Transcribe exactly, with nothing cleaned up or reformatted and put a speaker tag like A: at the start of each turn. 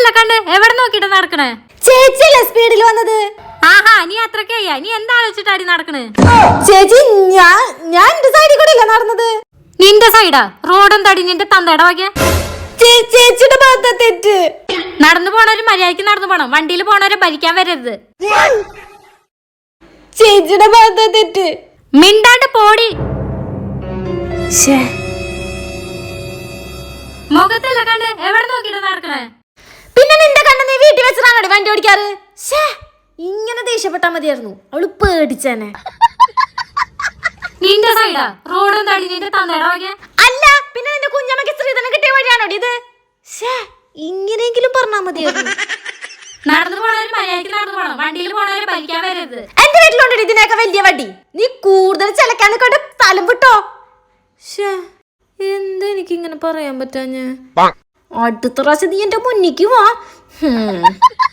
A: മുഖത്തല്ല കണ്ട് എവിടെ നോക്കിട്ട് നടക്കണേ?
B: ചേച്ചിയല്ലേ സ്പീഡിൽ വന്നത്?
A: ആഹാ, നീ അത്രക്കയ്യാ? നീ എന്താ ആലോചിച്ചിട്ടാടി നടക്കണേ?
B: ചേച്ചി ഞാൻ ഞാൻ എന്റെ സൈഡിൽ കൂടെ അല്ലേ നടന്നത്?
A: നിന്റെ സൈഡാ? റോഡും തടി നിന്റെ തന്തയുടെ വകയാ?
B: ചേച്ചിയുടെ ഭാഗത്താ തെറ്റ്.
A: നടന്നു പോണവര് മര്യാദക്ക് നടന്നു പോണം, വണ്ടിയിൽ പോണവരെ ഭരിക്കാൻ വരരുത്.
B: ചേച്ചിയുടെ ഭാഗത്താ തെറ്റ്.
A: മിണ്ടാണ്ട് പോടി. മുഖത്തല്ല കണ്ട് എവിടെ നോക്കിട്ട് നടക്കണേ?
B: പിന്നെ നിന്റെ കണ്ണ് നീ വീട്ടിൽ വെച്ചിട്ടാണ് വണ്ടി ഓടിക്കാറ്. ഇങ്ങനെ ദേഷ്യപ്പെട്ടാ മതിയായിരുന്നു, അവള് പേടിച്ചേനെ.
A: നിന്റെ സൈഡാ? റോഡും തടി നിന്റെ തന്തയുടെ വകയാ?
B: അല്ല, പിന്നെ നിന്റെ കുഞ്ഞമ്മക്ക് സ്ത്രീധനം കിട്ടിയ വഴിയാണോ ഇത്? ഇങ്ങനെയെങ്കിലും പറഞ്ഞാ മതിയായിരുന്നു.
A: നടന്നു പോണവര് മര്യാദക്ക് നടന്നു പോണം, വണ്ടിയിൽ പോണവരെ ഭരിക്കാൻ വരരുത്.
B: എന്റെ വീട്ടിലുണ്ടോ ഇതിനൊക്കെ വലിയ വണ്ടി? നീ കൂടുതൽ ചിലക്കാൻ കൊണ്ട് സ്ഥലം വിട്ടോ. എന്താ എനിക്ക് ഇങ്ങനെ പറയാൻ പറ്റാ? ഞാൻ അടുത്ത പ്രാവശ്യം നീ എന്റെ മുന്നിക്ക് വാ.